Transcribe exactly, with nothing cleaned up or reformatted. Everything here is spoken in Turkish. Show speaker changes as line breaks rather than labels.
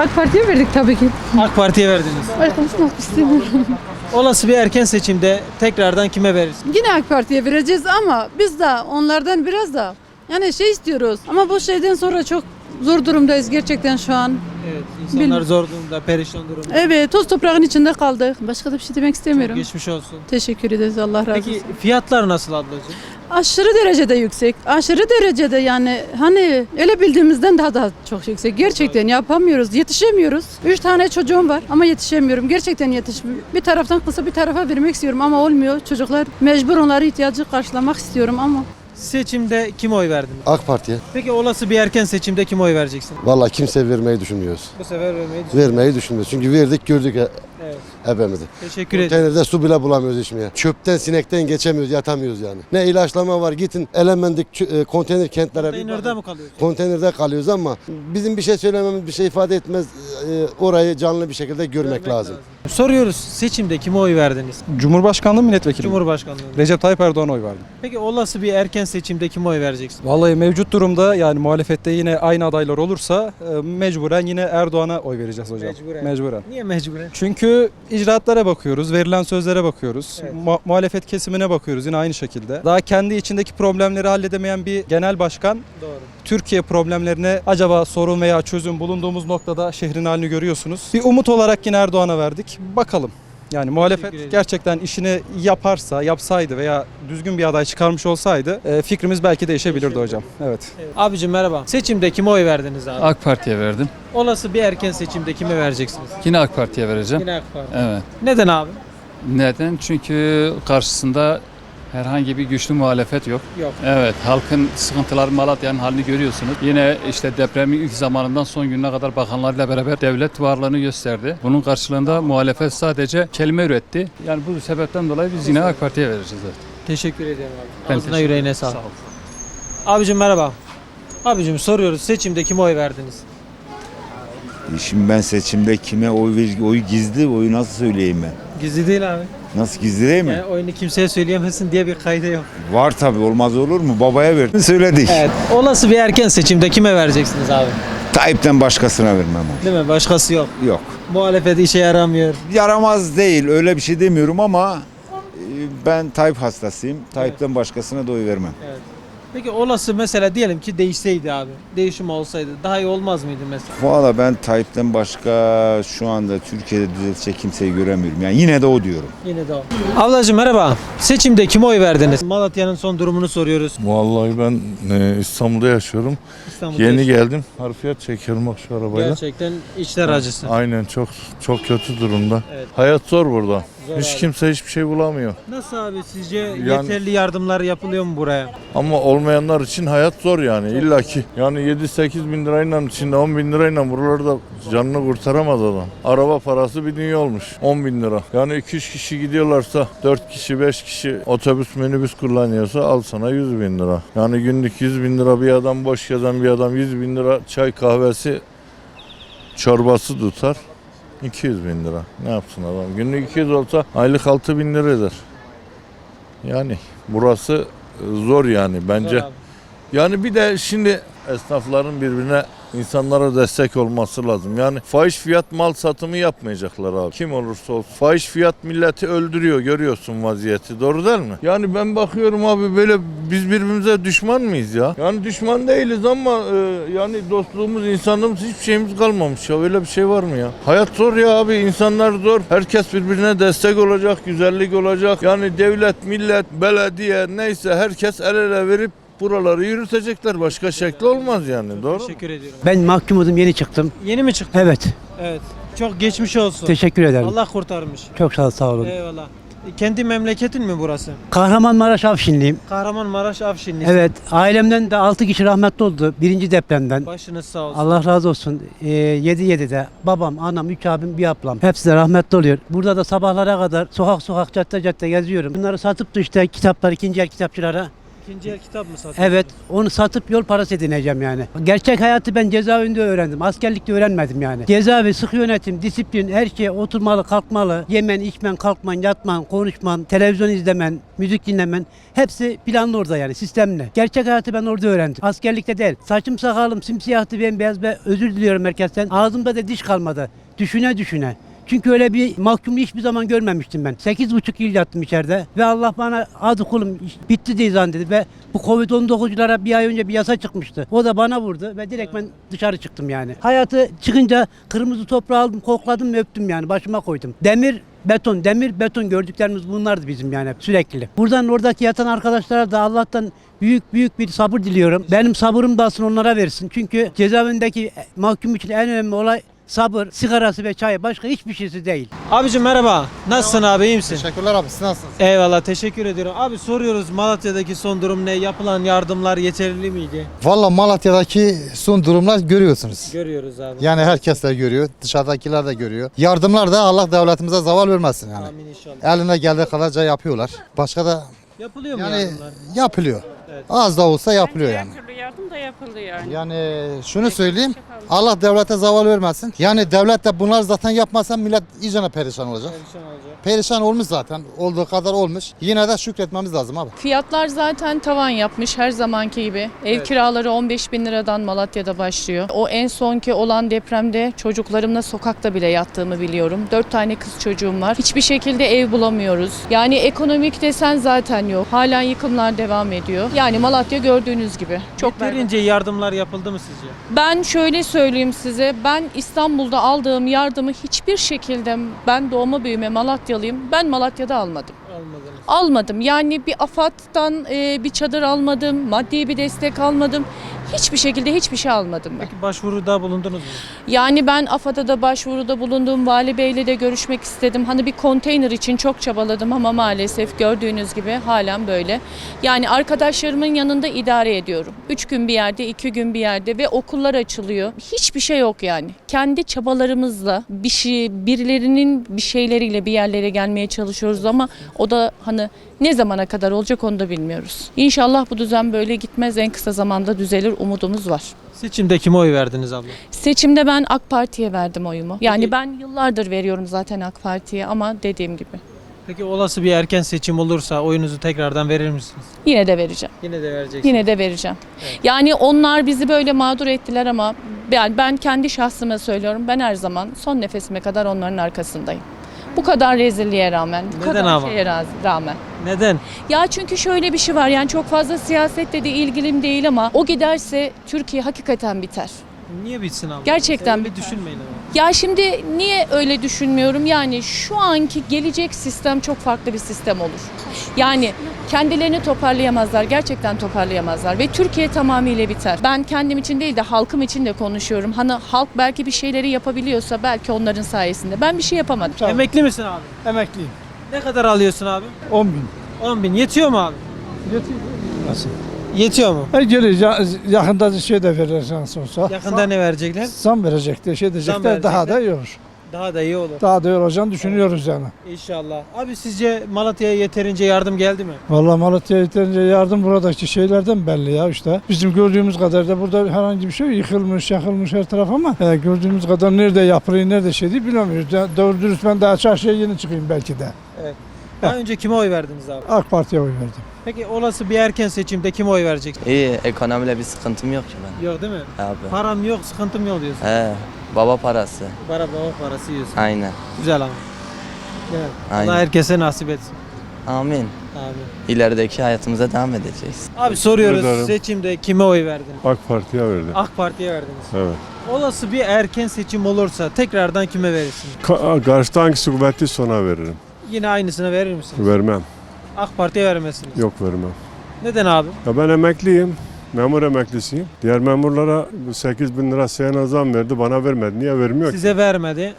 AK Parti'ye verdik tabii ki.
AK Parti'ye verdiniz.
Ay konuşmak istemiyorum.
Olası bir erken seçimde tekrardan kime verirsiniz?
Yine AK Parti'ye vereceğiz ama biz de onlardan biraz da yani şey istiyoruz. Ama bu şeyden sonra çok zor durumdayız gerçekten şu an.
Evet, insanlar
Bil-
zor durumda, perişan durumda.
Evet, toz toprağın içinde kaldık. Başka da bir şey demek istemiyorum.
Geçmiş olsun.
Teşekkür ederiz, Allah razı olsun.
Peki fiyatlar nasıl ablacığım?
Aşırı derecede yüksek. Aşırı derecede yani hani öyle bildiğimizden daha da çok yüksek. Gerçekten yapamıyoruz, yetişemiyoruz. Üç tane çocuğum var ama yetişemiyorum. Gerçekten yetişmiyorum. Bir taraftan kısa bir tarafa vermek istiyorum ama olmuyor. Çocuklar mecbur onları ihtiyacı karşılamak istiyorum ama.
Seçimde kime oy verdiniz?
AK Parti'ye.
Peki olası bir erken seçimde kime oy vereceksin?
Vallahi kimse vermeyi düşünmüyoruz.
Bu sefer vermeyi düşünüyorum.
Vermeyi düşünmüyoruz. Çünkü verdik gördük he-
Evet.
hepimizi.
Teşekkür ederim.
Konteynerde su bile bulamıyoruz içmeye. Çöpten sinekten geçemiyoruz, yatamıyoruz yani. Ne ilaçlama var, gidin Elemendik çö- e, konteyner kentlere bir
Konteynerde
bakın.
mi kalıyorsun?
Konteynerde kalıyoruz ama bizim bir şey söylememiz bir şey ifade etmez. E, orayı canlı bir şekilde görmek,
Görmek
lazım.
Soruyoruz, seçimde kime oy verdiniz?
Cumhurbaşkanlığı milletvekili.
Cumhurbaşkanlığı.
Recep Tayyip Erdoğan'a oy verdim.
Peki olası bir erken seçimde kime oy vereceksin?
Vallahi mevcut durumda yani muhalefette yine aynı adaylar olursa e, mecburen yine Erdoğan'a oy vereceğiz hocam.
Mecburen.
Mecburen.
Niye mecburen?
Çünkü icraatlara bakıyoruz, verilen sözlere bakıyoruz,
Evet.
mu- muhalefet kesimine bakıyoruz yine aynı şekilde. Daha kendi içindeki problemleri halledemeyen bir genel başkan
Doğru.
Türkiye problemlerine acaba sorun veya çözüm bulunduğumuz noktada şehrin halini görüyorsunuz. Bir umut olarak yine Erdoğan'a verdik. Bakalım. Yani
ederim.
muhalefet gerçekten işini yaparsa, yapsaydı veya düzgün bir aday çıkarmış olsaydı e, fikrimiz belki değişebilirdi hocam. Evet.
Evet. Abicim merhaba. Seçimde kime oy verdiniz abi?
AK Parti'ye verdim.
Olası bir erken seçimde kime vereceksiniz?
Yine AK Parti'ye vereceğim.
Yine AK Parti.
Evet.
Neden abi?
Neden? Çünkü karşısında herhangi bir güçlü muhalefet yok.
Yok.
Evet, halkın sıkıntıları, Malatya'nın halini görüyorsunuz. Yine işte depremin ilk zamanından son gününe kadar bakanlarıyla beraber devlet varlığını gösterdi. Bunun karşılığında muhalefet sadece kelime üretti. Yani bu sebepten dolayı biz yine AK Parti'ye vereceğiz. Evet.
Teşekkür ederim abi.
Ben
Ağzına
teşekkür
yüreğine
ederim.
sağlık.
Sağ ol.
Abicim merhaba. Abicim soruyoruz, seçimde kime oy verdiniz?
Şimdi ben seçimde kime oy ver, oy gizli, oyu nasıl söyleyeyim ben?
Gizli değil abi.
Nasıl gizli değil mi?
Yani oyunu kimseye söyleyemezsin diye bir kayda yok.
Var tabii, olmaz olur mu? Babaya verdin söyledik.
Evet. Olası bir erken seçimde kime vereceksiniz abi?
Tayyip'ten başkasına vermem oy.
Değil mi? Başkası yok.
Yok.
Muhalefet işe yaramıyor.
Yaramaz değil, öyle bir şey demiyorum ama e, ben Tayyip hastasıyım. Tayyip'ten başkasına da oy vermem.
Evet. Peki olası mesela diyelim ki değişseydi abi. Değişim olsaydı daha iyi olmaz mıydı mesela?
Valla ben Tayyip'ten başka şu anda Türkiye'de düzeltecek kimseyi göremiyorum. Yani yine de o diyorum.
Yine de o. Ablacığım merhaba. Seçimde kime oy verdiniz? Malatya'nın son durumunu soruyoruz.
Vallahi ben e, İstanbul'da yaşıyorum.
İstanbul'da
Yeni
yaşıyoruz.
geldim. Harfiyat çekiyorum bak şu arabayla.
Gerçekten içler acısı.
Aynen çok çok kötü durumda.
Evet.
Hayat zor burada.
Zor
Hiç
abi.
kimse hiçbir şey bulamıyor.
Nasıl abi sizce yeterli yardımlar yapılıyor mu buraya?
Ama olmayanlar için hayat zor yani illa ki. Yani yedi sekiz bin lirayla içinde on bin lirayla buralarda canını kurtaramaz adam. Araba parası bir dünya olmuş. on bin lira. Yani iki üç kişi gidiyorlarsa dört kişi beş kişi otobüs minibüs kullanıyorsa al sana yüz bin lira. Yani günlük yüz bin lira bir adam boş gezen bir adam yüz bin lira çay kahvesi çorbası tutar. iki yüz bin lira. Ne yapsın adam? Günlük iki yüz olsa aylık altı bin lira eder. Yani burası zor yani bence.
Zor abi.
Yani bir de şimdi esnafların birbirine insanlara destek olması lazım. Yani fahiş fiyat mal satımı yapmayacaklar abi. Kim olursa olsun. Fahiş fiyat milleti öldürüyor, görüyorsun vaziyeti. Doğru değil mi? Yani ben bakıyorum abi böyle biz birbirimize düşman mıyız ya? Yani düşman değiliz ama e, yani dostluğumuz, insanlığımız hiçbir şeyimiz kalmamış ya. Öyle bir şey var mı ya? Hayat zor ya abi. İnsanlar zor. Herkes birbirine destek olacak, güzellik olacak. Yani devlet, millet, belediye neyse herkes el ele verip buraları yürütecekler. Başka şekli olmaz yani. Doğru mu?
Teşekkür ediyorum.
Ben mahkumudum, yeni çıktım.
Yeni mi çıktın?
Evet,
Evet. Çok geçmiş olsun.
teşekkür ederim.
Allah kurtarmış.
Çok sağ, sağ olun.
Eyvallah. E, Kendi memleketin mi burası?
Kahramanmaraş Afşinliyim.
Kahramanmaraş Afşinlisin.
Evet, ailemden de altı kişi rahmetli oldu birinci depremden.
Başınız sağ olsun.
Allah razı olsun. Ee, yedi yedide babam, anam, üç abim, bir ablam. Hepsi de rahmetli oluyor. Burada da sabahlara kadar sokak sokak, cadde cadde geziyorum. Bunları satıp da işte kitaplar, ikinci el kitapçılara
İkinci el kitap mı satıyorsunuz?
Evet, onu satıp yol parası edineceğim yani. Gerçek hayatı ben cezaevinde öğrendim. Askerlikte öğrenmedim yani. Cezaevi, sıkı yönetim, disiplin, her şey oturmalı, kalkmalı. Yemen, içmen, kalkman, yatman, konuşman, televizyon izlemen, müzik dinlemen. Hepsi planlı orada yani, sistemli. Gerçek hayatı ben orada öğrendim. Askerlikte değil. Saçım sakalım simsiyahtı, bembeyaz ve özür diliyorum herkesten. Ağzımda da diş kalmadı. Düşüne düşüne. Çünkü öyle bir mahkumu hiçbir zaman görmemiştim ben. sekiz buçuk yıl yattım içeride ve Allah bana hadi kulum iş bitti diye zannedildi ve bu kovid on dokuzculara bir ay önce bir yasa çıkmıştı. O da bana vurdu ve direkt ben dışarı çıktım yani. Hayatı çıkınca kırmızı toprağı aldım, kokladım ve öptüm yani, başıma koydum. Demir, beton, demir, beton gördüklerimiz bunlardı bizim yani sürekli. Buradan oradaki yatan arkadaşlara da Allah'tan büyük büyük bir sabır diliyorum. Benim sabırım da aslında onlara versin. Çünkü cezaevindeki mahkum için en önemli olay sabır, sigarası ve çay, başka hiçbir şeysi değil.
Abicim merhaba. Nasılsın abi, iyi misin?
Teşekkürler abi, siz nasılsınız?
Eyvallah, teşekkür ediyorum. Abi soruyoruz, Malatya'daki son durum ne? Yapılan yardımlar yeterli miydi?
Valla Malatya'daki son durumlar görüyorsunuz.
Görüyoruz abi.
Yani herkes de görüyor, dışarıdakiler de görüyor. Yardımlar da Allah devletimize zaval vermesin yani.
Amin inşallah.
Eline geldiği kadarca yapıyorlar. Başka da
Yapılıyor mu
yani
yardımlar?
yapılıyor.
Evet.
Az da olsa yapılıyor yani.
Her türlü yardım da yapıldı yani.
Yani şunu söyleyeyim, Allah devlete zaval vermesin. Yani devlet de bunlar zaten yapmasa millet iyicene perişan olacak.
Perişan olacak.
Perişan olmuş zaten, olduğu kadar olmuş. Yine de şükretmemiz lazım abi.
Fiyatlar zaten tavan yapmış her zamanki gibi. Ev
Evet.
kiraları on beş bin liradan Malatya'da başlıyor. O en sonki olan depremde çocuklarımla sokakta bile yattığımı biliyorum. Dört tane kız çocuğum var. Hiçbir şekilde ev bulamıyoruz. Yani ekonomik desen zaten yok. Halen yıkımlar devam ediyor. Yani Malatya gördüğünüz gibi. Çok berbat.
Yeterince yardımlar yapıldı mı sizce?
Ben şöyle söyleyeyim size, ben İstanbul'da aldığım yardımı hiçbir şekilde, ben doğma büyüme Malatyalıyım, ben Malatya'da almadım.
Almadınız.
Almadım. Yani bir AFAD'dan e, bir çadır almadım, maddi bir destek almadım. Hiçbir şekilde hiçbir şey almadım ben.
Peki başvuruda bulundunuz mu?
Yani ben AFAD'a da başvuruda bulundum, Vali Bey'le de görüşmek istedim. Hani bir konteyner için çok çabaladım ama maalesef gördüğünüz gibi halen böyle. Yani arkadaşlarımın yanında idare ediyorum. Üç gün bir yerde, iki gün bir yerde ve okullar açılıyor. Hiçbir şey yok yani. Kendi çabalarımızla bir şey, birilerinin bir şeyleriyle bir yerlere gelmeye çalışıyoruz ama o da hani ne zamana kadar olacak onu da bilmiyoruz. İnşallah bu düzen böyle gitmez, en kısa zamanda düzelir, umudumuz var.
Seçimde kime oy verdiniz abla?
Seçimde ben AK Parti'ye verdim oyumu. Yani
Peki-
ben yıllardır veriyorum zaten AK Parti'ye ama dediğim gibi
Peki olası bir erken seçim olursa oyunuzu tekrardan verir misiniz?
yine de vereceğim.
Yine de vereceksiniz.
Yine de vereceğim. Yani onlar bizi böyle mağdur ettiler ama yani ben kendi şahsıma söylüyorum. Ben her zaman son nefesime kadar onların arkasındayım. Bu kadar rezilliğe rağmen, bu
Neden
kadar
ama?
şeye raz- rağmen.
Neden?
Ya çünkü şöyle bir şey var, yani çok fazla siyasetle de ilgilim değil ama o giderse Türkiye hakikaten biter.
Niye bitsin abla?
Gerçekten
Öyle
biter.
düşünmeyin ama.
Ya şimdi niye öyle düşünmüyorum? Yani şu anki gelecek sistem çok farklı bir sistem olur. Yani kendilerini toparlayamazlar, gerçekten toparlayamazlar ve Türkiye tamamıyla biter. Ben kendim için değil de halkım için de konuşuyorum. Hani halk belki bir şeyleri yapabiliyorsa belki onların sayesinde. Ben bir şey yapamadım.
Emekli misin abi?
Emekliyim.
Ne kadar alıyorsun abi?
on bin.
on bin. Yetiyor mu abi?
Yetiyor. Nasıl?
Yetiyor mu?
E gelir yakında şey de verir şans olsa.
Yakında ne verecekler?
Zam verecekler, şey diyecekler, daha da iyi olur.
Daha da iyi olur.
Daha da iyi olacağını düşünüyoruz yani.
İnşallah. Abi sizce Malatya'ya yeterince yardım geldi mi?
Vallahi Malatya'ya yeterince yardım buradaki şeylerden belli ya işte. Bizim gördüğümüz kadar da burada herhangi bir şey yok. Yıkılmış, yakılmış her taraf ama e, gördüğümüz kadar nerede yapılıyor, nerede şey değil bilemiyoruz. Ya, doğru dürüst ben daha çarşıya yeni çıkayım belki de.
Evet. Daha önce kime oy verdiniz abi?
AK Parti'ye oy verdim.
Peki olası bir erken seçimde kime oy vereceksin?
İyi, ekonomiyle bir sıkıntım yok ki ben.
Yok değil mi?
Abi.
Param yok, sıkıntım yok diyorsun.
He, baba parası.
Para baba parası yiyorsun.
Aynen.
Güzel ama. Evet.
Aynen.
Allah herkese nasip etsin.
Amin.
Abi.
İlerideki hayatımıza devam edeceğiz.
Abi soruyoruz,
ederim.
seçimde kime oy verdiniz?
AK Parti'ye verdim.
AK Parti'ye verdiniz.
Evet.
Olası bir erken seçim olursa tekrardan kime verirsiniz?
Ka- karşıda hangisi kuvvetli sona veririm.
Yine aynısını verir misiniz?
Vermem.
AK Parti'ye vermezsiniz.
Yok vermem.
Neden abi?
Ya ben emekliyim. Memur emeklisiyim. Diğer memurlara sekiz bin lira seyana zam verdi. Bana vermedi. Niye vermiyor ki?
Size vermedi.